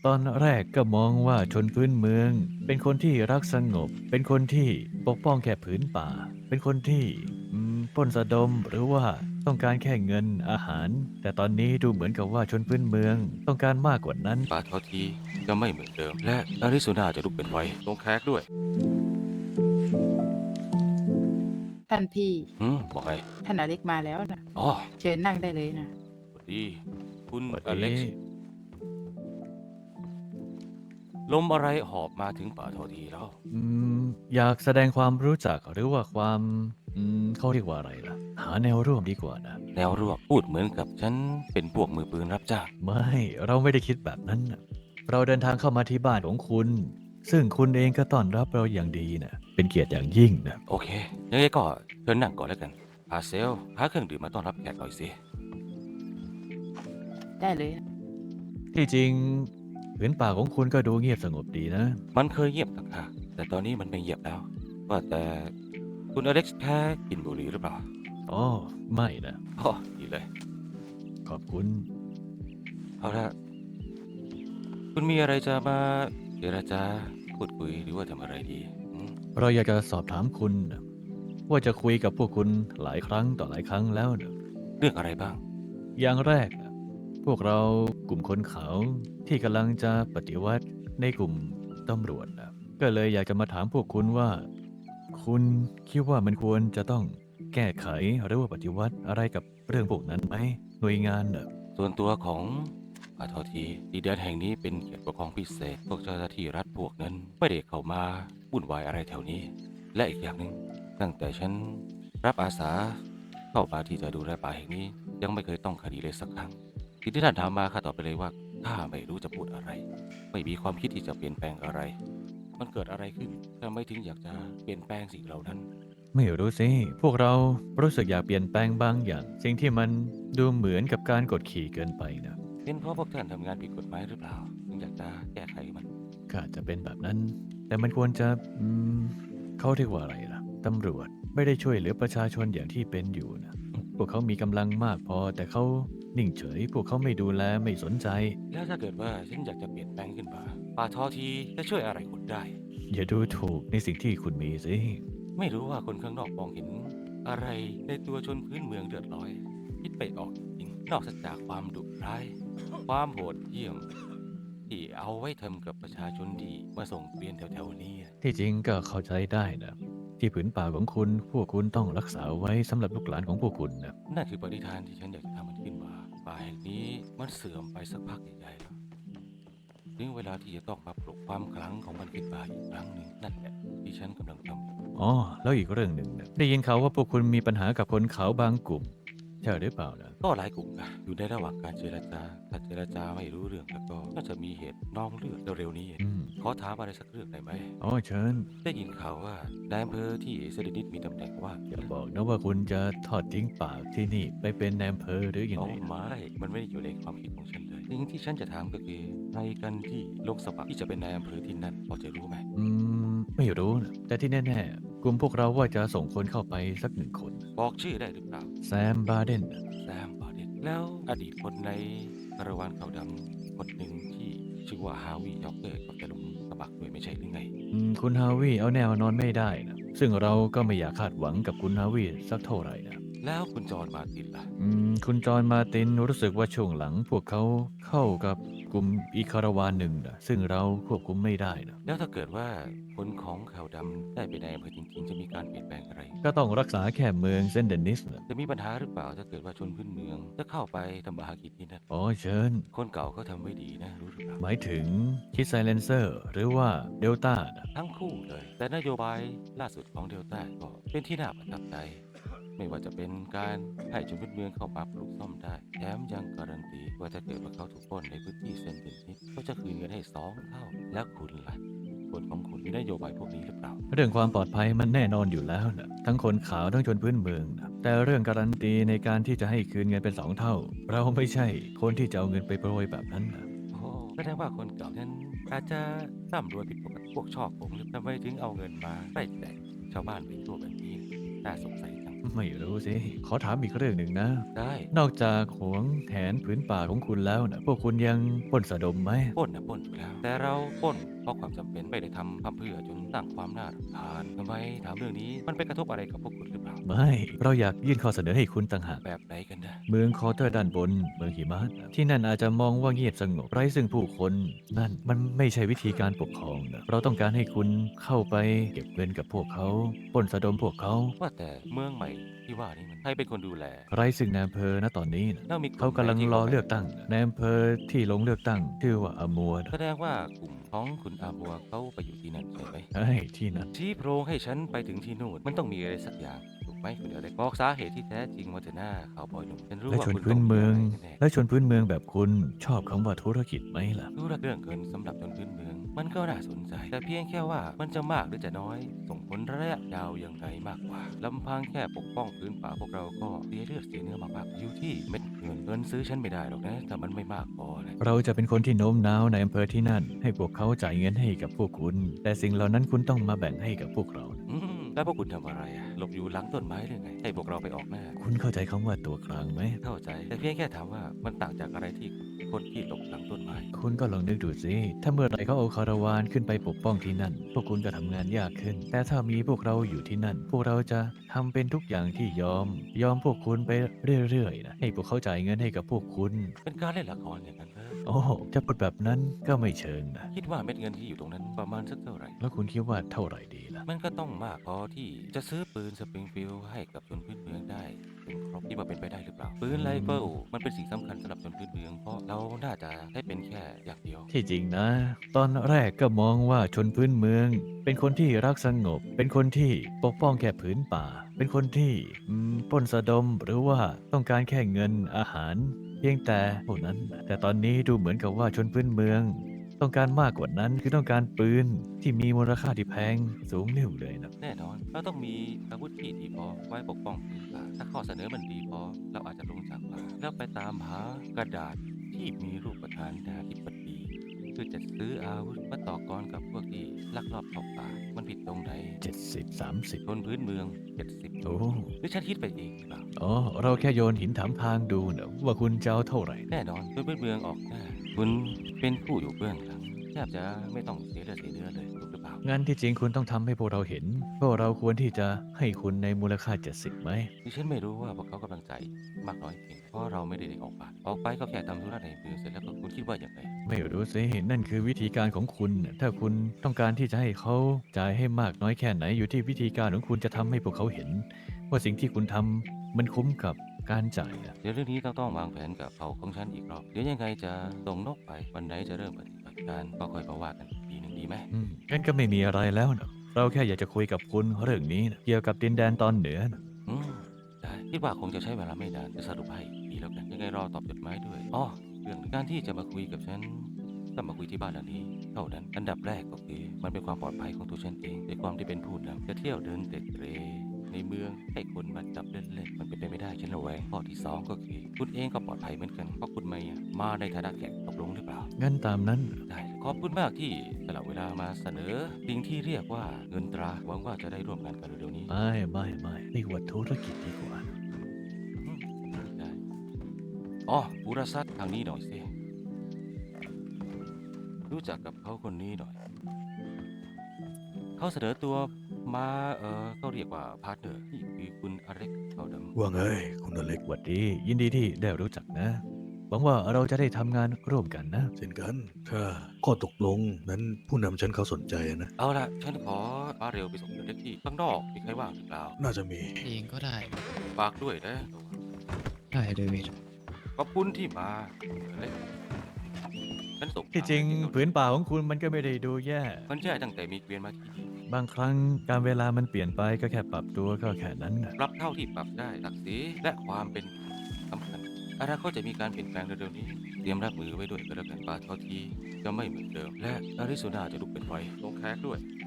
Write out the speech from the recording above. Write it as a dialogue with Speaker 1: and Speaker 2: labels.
Speaker 1: ตอนแรกก็มองว่าชนพื้นเมืองเป็นคนที่รักสงบ เป็นคนที่ปกป้องแค่ผืนป่า เป็นคนที่ปล้นสะดมหรือว่าต้องการแค่เงินอาหาร แต่ตอนนี้ดูเหมือนกับว่าชนพื้นเมืองต้องการมากกว่านั้น
Speaker 2: ป่าทอทีจะไม่เหมือนเดิมและอาริโซนาจะลุกเป็นไฟตรงแคกด้วย
Speaker 3: ท่านพี่
Speaker 2: บอกไง
Speaker 3: ท่านอเล็กมาแล้วนะ
Speaker 2: อ๋อ
Speaker 3: เชิญนั่งได้เลยนะ
Speaker 2: สวัสดีคุณ
Speaker 1: สวัสดี
Speaker 2: อเล็กซ์ลมอะไรหอบมาถึงป่าทอทีแล้ว
Speaker 1: อืมอยากแสดงความรู้จักหรือว่าความเขาเรียกว่าอะไรล่ะหาแนวร่วมดีกว่านะ
Speaker 2: แนวร่วมพูดเหมือนกับฉันเป็นพวกมือปืนรับจ้าง
Speaker 1: ไม่เราไม่ได้คิดแบบนั้นน่ะเราเดินทางเข้ามาที่บ้านของคุณซึ่งคุณเองก็ต้อนรับเราอย่างดีนะเป็นเกียรติอย่างยิ่งนะ
Speaker 2: โอเคยังไงก็เชิญนั่งก่อนแล้วกันพาเซลหาเครื่องดื่มมาต้อนรับแขกหน่อยสิ
Speaker 3: ได้เลย
Speaker 1: ที่จริงผืนป่าของคุณก็ดูเงียบสงบดีนะ
Speaker 2: มันเคยเงียบต่างหากแต่ตอนนี้มันไม่เงียบแล้วว่าแต่คุณอเล็กซ์แค่กินบุหรี่หรือเปล่า
Speaker 1: อ๋อไม่นะ
Speaker 2: อ๋อดีเลย
Speaker 1: ขอบคุณ
Speaker 2: เอาละคุณมีอะไรจะมาเจรจาพูดคุยหรือว่าทำอะไรดีอืม
Speaker 1: เราอยากจะสอบถามคุณนะว่าจะคุยกับพวกคุณหลายครั้งต่อหลายครั้งแล้วนะ
Speaker 2: เรื่องอะไรบ้าง
Speaker 1: อย่างแรกนะพวกเรากลุ่มคนขาวที่กำลังจะปฏิวัติในกลุ่มตำรวจนะก็เลยอยากจะมาถามพวกคุณว่าคุณคิดว่ามันควรจะต้องแก้ไขหรือว่าปฏิวัติอะไรกับเรื่องพวกนั้นไหมหน่วยงานน่ะ
Speaker 2: ส่วนตัวของอาทอทีดินแดนแห่งนี้เป็นเขตปกครองพิเศษพวกเจ้าหน้าที่รัฐพวกนั้นไม่ได้เข้ามาวุ่นวายอะไรแถวนี้และอีกอย่างหนึ่งตั้งแต่ฉันรับอาสาเข้ามาที่จะดูแลป่าแห่งนี้ยังไม่เคยต้องคดีเลยสักครั้งสิ่งที่ท่านถามมาข้าตอบไปเลยว่าข้าไม่รู้จะพูดอะไรไม่มีความคิดที่จะเปลี่ยนแปลงอะไรมันเกิดอะไรขึ้นทำไมถึงอยากจะเปลี่ยนแปลงสิ่งเหล่านั้น
Speaker 1: ไม่รู้สิพวกเรารู้สึกอยากเปลี่ยนแปลงบางอย่างสิ่งที่มันดูเหมือนกับการกดขี่เกินไปนะ
Speaker 2: เป็นเพราะพวกท่านทำงานผิดกฎหมายหรือเปล่าถึงอยากจะแก้ไขมัน
Speaker 1: ก็อาจจะเป็นแบบนั้นแต่มันควรจะอืมเขาเรียกว่าอะไรล่ะตำรวจไม่ได้ช่วยเหลือประชาชนอย่างที่เป็นอยู่นะ พวกเขามีกำลังมากพอแต่เขานิ่งเฉยพวกเขาไม่ดูแลไม่สนใจ
Speaker 2: แล้วถ้าเกิดว่าฉันอยากจะเปลี่ยนแปลงขึ้นมาป่าทอทีจะช่วยอะไรคุณได้
Speaker 1: อย่าดูถูกในสิ่งที่คุณมีสิ
Speaker 2: ไม่รู้ว่าคนข้างนอกมองเห็นอะไรในตัวชนพื้นเมืองเดือดร้อยคิดไปออกจริงๆนอกจากความดุร้ายความโหดเหี้ยมที่เอาไว้ทำกับประชาชนที่มาส่งเปลี่ยนแถวๆนี้
Speaker 1: ที่จริงก็เข้าใจได้นะที่ผืนป่าของคุณพวกคุณต้องรักษาไว้สำหรับลูกหลานของพวกคุณนะ
Speaker 2: นั่นคือปณิธานที่ฉันอยากจะทำมันขึ้นมาป่าแห่งนี้มันเสื่อมไปสักพักใหญ่ๆแล้ว ถึงเวลาที่จะต้องมาปลุกความครั้งของมันขึ้นมาอีกครั้งหนึ่งนั่นแหละที่ฉันกำลังทำอยู่
Speaker 1: อ๋อแล้วอีกเรื่องหนึ่งนะได้ยินข่าวว่าพวกคุณมีปัญหากับคนเขาบางกลุ่มใช่หรือเปล่านะ
Speaker 2: ก็หลายกลุ่มนะอยู่ในระหว่างการเจรจาถ้าเจรจาไม่รู้เรื่องแล้วก็น่าจะมีเหตุนองเลือดเร็วๆนี้
Speaker 1: อืม
Speaker 2: ขอถามอะไรสักเรื่องได้ไหม
Speaker 1: อ๋อเชิญ
Speaker 2: ได้ยินข่าวว่านายอำเภอที่เซเดนิตมีตำแหน่งว่าง
Speaker 1: อย่าบอกนะว่าคุณจะทอดทิ้งปากที่นี่ไปเป็นนายอำเภอหรือยัง
Speaker 2: เอา
Speaker 1: ไงนะ
Speaker 2: ไม่มันไม่ได้อยู่ในความคิดของฉันเลยสิ่งที่ฉันจะถามก็คือใครกันที่ลงสมัครที่จะเป็นนายอำเภอที่นั่นพอจะรู้ไหม
Speaker 1: ไม่รู้นะแต่ที่แน่ๆกลุ่มพวกเราว่าจะส่งคนเข้าไปสักหนึ่งคน
Speaker 2: บอกชื่อได้หรือเปล่า
Speaker 1: แซมบาเดน
Speaker 2: แซมบอดิตแล้วอดีตคนในคาราวานขาวดำคนหนึ่งที่ชื่อว่าฮาวิยอกเกอร์ก็จะลงสมัครด้วยไม่ใช่หรือไง
Speaker 1: คุณฮาวิเอาแนวนอนไม่ได้นะซึ่งเราก็ไม่อยากคาดหวังกับคุณฮาวิสักเท่าไหร่นะ
Speaker 2: แล้วคุณจอห์นมาร์ตินล่ะ
Speaker 1: คุณจอห์นมาร์ตินรู้สึกว่าช่วงหลังพวกเขาเข้ากับกลุ่มอีกคาราวานหนึ่งนะซึ่งเราควบคุมไม่ได้นะ
Speaker 2: แล้วถ้าเกิดว่าคนของขาวดำได้ไปในอำเภอจริงๆจะมีการเปลี่ยนแปลงอะไร
Speaker 1: ก็ต้องรักษาแค่เมืองเซนต์เดนิสนะ
Speaker 2: จะมีปัญหาหรือเปล่าถ้าเกิดว่าชนพื้นเมืองจะเข้าไปทำมาหากินที่นั่น
Speaker 1: อ๋อเชิญ
Speaker 2: คนเก่าเขาทำไม่ดีนะรู้หรือเปล่า
Speaker 1: หมายถึงคิดไซเลนเซอร์หรือว่าเดลต้านะ
Speaker 2: ทั้งคู่เลยแต่นโยบายล่าสุดของเดลต้าก็เป็นที่น่าประทับใจไม่ว่าจะเป็นการให้ชนพื้นเมืองเข้ามาปลูกซ่อมได้แถมยังการันตีว่าถ้าเกิดว่าเขาถูกปล้นในพื้นที่เซนต์เดนิสก็จะคืนเงินให้2 เท่าแล้วคุณล่ะคนของคุณมีนโยบายพวกนี้หรือเปล่า
Speaker 1: เรื่องความปลอดภัยมันแน่นอนอยู่แล้วนะทั้งคนขาวทั้งชนพื้นเมืองนะแต่เรื่องการันตีในการที่จะให้คืนเงินเป็นสองเท่าเราไม่ใช่คนที่จะเอาเงินไปโปรยแบบนั้นนะ
Speaker 2: โอ้แสดงว่าคนเก่านั้นอาจจะร่ำรวยผิดปกติพวกชอบผมหรือทำไมถึงเอาเงินมาไล่แจกชาวบ้านไปทั่วแบบนี้น่าสงสัยจัง
Speaker 1: ไม่รู้สิ ขอถามอีกเรื่องหนึ่งนะ
Speaker 2: ได้
Speaker 1: นอกจากหวงแหนผืนป่าของคุณแล้วนะพวกคุณยังปล้นสะดมไหม
Speaker 2: ปล้นนะปล้นอยู่แล้ว แต่เราปล้นเพราะความจำเป็นไม่ได้ทำเพื่อจนสร้างความน่ารำคาญทำไมถามเรื่องนี้มันไปกระทบอะไรกับพวกคุณหรือเปล่า
Speaker 1: ไม่ เราอยากยื่นข้อเสนอให้คุณต่างหาก
Speaker 2: แบบไหนกันนะ
Speaker 1: เมืองคอเตอร์ด้านบนเมืองหิมะที่นั่นอาจจะมองว่าเงียบสงบไร้ซึ่งผู้คนนั่นมันไม่ใช่วิธีการปกครองนะเราต้องการให้คุณเข้าไปเก็บเงินกับพวกเขาปล้นสะดมพวกเขา
Speaker 2: ว่าแต่เมืองใหม่ที่ว่านี่มันใครเป็นคนดูแล
Speaker 1: ไร้ซึ่งนายอำเภอณตอนนี้นะ
Speaker 2: แล้วมีกลุ่
Speaker 1: เขา
Speaker 2: ม
Speaker 1: กำลัง
Speaker 2: ไหนที่
Speaker 1: รอ
Speaker 2: ขา
Speaker 1: เลือกตั้งนะในอำเภอที่ลงเลือกตั้งชื่อว่าอมัวนะ
Speaker 2: แสดงว่ากลุ่มของคุณอาบัวเขาไปอยู่ที่นั่นใช่ไหม
Speaker 1: เฮ้ยที่นั่น
Speaker 2: ชี้โพรงให้ฉันไปถึงที่นู่นมันต้องมีอะไรสักอย่างถูกไหมคุณเดเล็กบอกสาเหตุที่แท้จริงมาเถอะหน้าข่าวบอยหนุ่มฉันรู้
Speaker 1: และ
Speaker 2: ว่า
Speaker 1: ชน
Speaker 2: คุณ
Speaker 1: พื้
Speaker 2: ต้
Speaker 1: น
Speaker 2: องมี
Speaker 1: เมือง
Speaker 2: อะไรแน่
Speaker 1: และชนพื้นเมืองแบบคุณชอบคำว่าธุรกิจไหมล่ะ
Speaker 2: ๆรู้เรื่องเงินสำหรับชนพื้นเมือง มันก็น่าสนใจ แต่เพียงแค่ว่ามันจะมากหรือจะน้อย ส่งผลระยะยาวยังไงมากกว่าลำพังแค่ปกป้องพื้นป่าพวกเราก็เสียเลือดเสียเนื้อมากๆอยู่ที่เม็ดเงินซื้อฉันไม่ได้หรอกนะถ้ามันไม่มากพอนะ
Speaker 1: เราจะเป็นคนที่โน้มน้าวในอำเภอที่นั่น ให้พวกเขาจ่ายเงินให้กับพวกคุณ แต่สิ่งเหล่านั้นคุณต้องมาแบ่งให้กับพวกเรานะ
Speaker 2: แล้วพวกคุณทำอะไรอะหลบอยู่หลังต้นไม้หรือไงให้พวกเราไปออกหน้า
Speaker 1: คุณเข้าใจคำว่าตัวกลางไหม
Speaker 2: เข้าใจ แต่เพียงแค่ถามว่ามันต่างจากอะไรที่คนที่หลบหลังต้นไม้
Speaker 1: คุณก็ลองนึกดูสิ ถ้าเมื่อไหร่เขาเอาคาราวานขึ้นไปปกป้องที่นั่น พวกคุณก็ทำงานยากขึ้น แต่ถ้ามีพวกเราอยู่ที่นั่น พวกเราจะทำเป็นทุกอย่างที่ยอมพวกคุณไปเรื่อยๆนะ ให้พวกเขาจ่ายเงินให้กับพวกคุณ
Speaker 2: เป็นการเล่นละครอย่างนั้นเลย
Speaker 1: โอ้จะพูดแบบนั้นก็ไม่เชิงนะ
Speaker 2: คิดว่าเม็ดเงินที่อยู่ตรงนั้นประมาณสักเท่าไหร่
Speaker 1: แล้วคุณคิดว่าเท่าไหร่ดีล่ะ
Speaker 2: มันก็ต้องมากพอที่จะซื้อปืนสปริงฟิลด์ให้กับชนพื้นเมืองได้เป็นครบที่ว่าเป็นไปได้หรือเปล่า ปืนไรเฟิลมันเป็นสิ่งสำคัญสำหรับชนพื้นเมืองเพราะเราน่าจะได้เป็นแค่อย่างเดียว
Speaker 1: ที่จริงนะ ตอนแรกก็มองว่าชนพื้นเมือง เป็นคนที่รักสงบ เป็นคนที่ปกป้องแค่ผืนป่า เป็นคนที่ปล้นสะดมหรือว่าต้องการแค่เงินอาหาร เพียงแต่เท่านั้น แต่ตอนนี้ดูเหมือนกับว่าชนพื้นเมือง ต้องการมากกว่านั้นคือต้องการปืนที่มีมูลค่าที่แพงสูงนิ่วเลยนะ
Speaker 2: แน่นอนเราต้องมีอาวุธที่ดีพอไว้ปกป้องพื้นป่าถ้าข้อเสนอมันดีพอเราอาจจะลงจากป่าแล้วไปตามหากระดาษที่มีรูปประธานาธิบดีเพื่อจะซื้ออาวุธมาต่อกรกับพวกที่ลักลอบเข้าป่ามันผิดตรงไหน
Speaker 1: 70-30
Speaker 2: ชนพื้นเมือง70
Speaker 1: โอ้
Speaker 2: หรือฉันคิดไปเองหรือเปล่า
Speaker 1: อ๋อเราแค่โยนหินถามทางดูนะว่าคุณจะเอาเท่าไหร่
Speaker 2: แน่นอนชนพื้นเมืองออกหน้าคุณเป็นผู้อยู่เบื้องหลังแทบจะไม่ต้องเสียเลือดเสียเนื้อเลยถูกหรือเปล่า
Speaker 1: งั้นที่จริงคุณต้องทำให้พวกเราเห็นพวกเราควรที่จะให้คุณในมูลค่า 70ไหม
Speaker 2: ดิฉันไม่รู้ว่าพวกเขากำลังใจมากน้อยเพียงเพราะเราไม่ได้ออกป่าออกไปก็แค่ทำธุระในเมืองเสร็จแล้วก็คุณคิดว่าอย่างไร
Speaker 1: ไม่รู้สิ นั่นคือวิธีการของคุณ ถ้าคุณต้องการที่จะให้เขาจ่ายให้มากน้อยแค่ไหนอยู่ที่วิธีการของคุณจะทำให้พวกเขาเห็น ว่าสิ่งที่คุณทำมันคุ้มกับการจ่ายนะ
Speaker 2: เดี๋ยวเรื่องนี้ต้องวางแผนกับเผ่าของฉันอีกรอบเดี๋ยวยังไงจะส่งนกไปวันไหนจะเริ่มปฏิบัติการก็ค่อยมาว่ากันอีกทีหนึ่งดีไหม
Speaker 1: งั้นก็ไม่มีอะไรแล้วนะเราแค่อยากจะคุยกับคุณเรื่องนี้นะเกี่ยวกับดินแดนตอนเหนือนะ
Speaker 2: อืมได้คิดว่าคงจะใช้เวลาไม่นานจะสรุปให้ดีแล้วกันยังไงรอตอบจดหมายด้วยอ๋อเรื่องการที่จะมาคุยกับฉันต้องมาคุยที่บ้านหลังนี้เท่านั้นอันดับแรกก็คือมันเป็นความปลอดภัยของตัวฉันเองในความที่เป็นผู้นำจะเที่ยวเดินเตะเตรในเมืองให้คนมาจับเล่นๆมันเป็นไปไม่ได้ฉันระแวงข้อที่สองก็คือคุณเองก็ปลอดภัยเหมือนกันเพราะคุณไม่มาในฐานะแขกตกลงหรือเปล่า
Speaker 1: งั้นตามนั้น
Speaker 2: ได้ขอบคุณมากที่สละเวลามาเสนอสิ่งที่เรียกว่าเงินตราหวังว่าจะได้ร่วมงานกันเร็วๆนี้
Speaker 1: ไม่เรียกว่าธุรกิจดีกว่า
Speaker 2: ได้อ๋อบุรษัททางนี้หน่อยสิรู้จักกับเขาคนนี้หน่อยเขาเสนอตัวมาก็เรียกว่าพาร์ทเนอร์นี่คือคุณอเล็กเขาดำ
Speaker 4: ว่าไงคุณอเล็ก
Speaker 1: หวัดดี ยินดีที่ได้รู้จักนะ หวังว่าเราจะได้ทำงานร่วมกันนะ
Speaker 4: เช่นกัน ถ้าข้อตกลงนั้นผู้นำฉันเขาสนใจนะ
Speaker 2: เอาละฉันขอมาเร็วไปส่งเด็กที่ข้างนอกมีใครว่างหรือเปล่า
Speaker 4: น่าจะมี
Speaker 5: เองก็ได้
Speaker 2: ฝากด้วยนะ
Speaker 5: ได้เดวิด
Speaker 2: ขอบคุณที่มาเล็กฉันส่ง
Speaker 1: ที่จริง
Speaker 2: ทา
Speaker 1: ผืนป่าของคุณมันก็ไม่ได้ดูแย่
Speaker 2: มันแย่ตั้งแต่มีเกวียนมาที่นี่
Speaker 1: บางครั้งการเวลามันเปลี่ยนไปก็แค่ปรับตัวก็แค่นั้นนะ
Speaker 2: ปรับเท่าที่ปรับได้ศักดิ์ศรีและความเป็นสำคัญอนาคตจะมีการเปลี่ยนแปลงเร็วๆนี้เตรียมรับมือไว้ด้วยก็แล้วกันปาเท่าทีจะไม่เหมือนเดิม และอาริโซนาจะลุกเป็นไฟลงแคกด้วย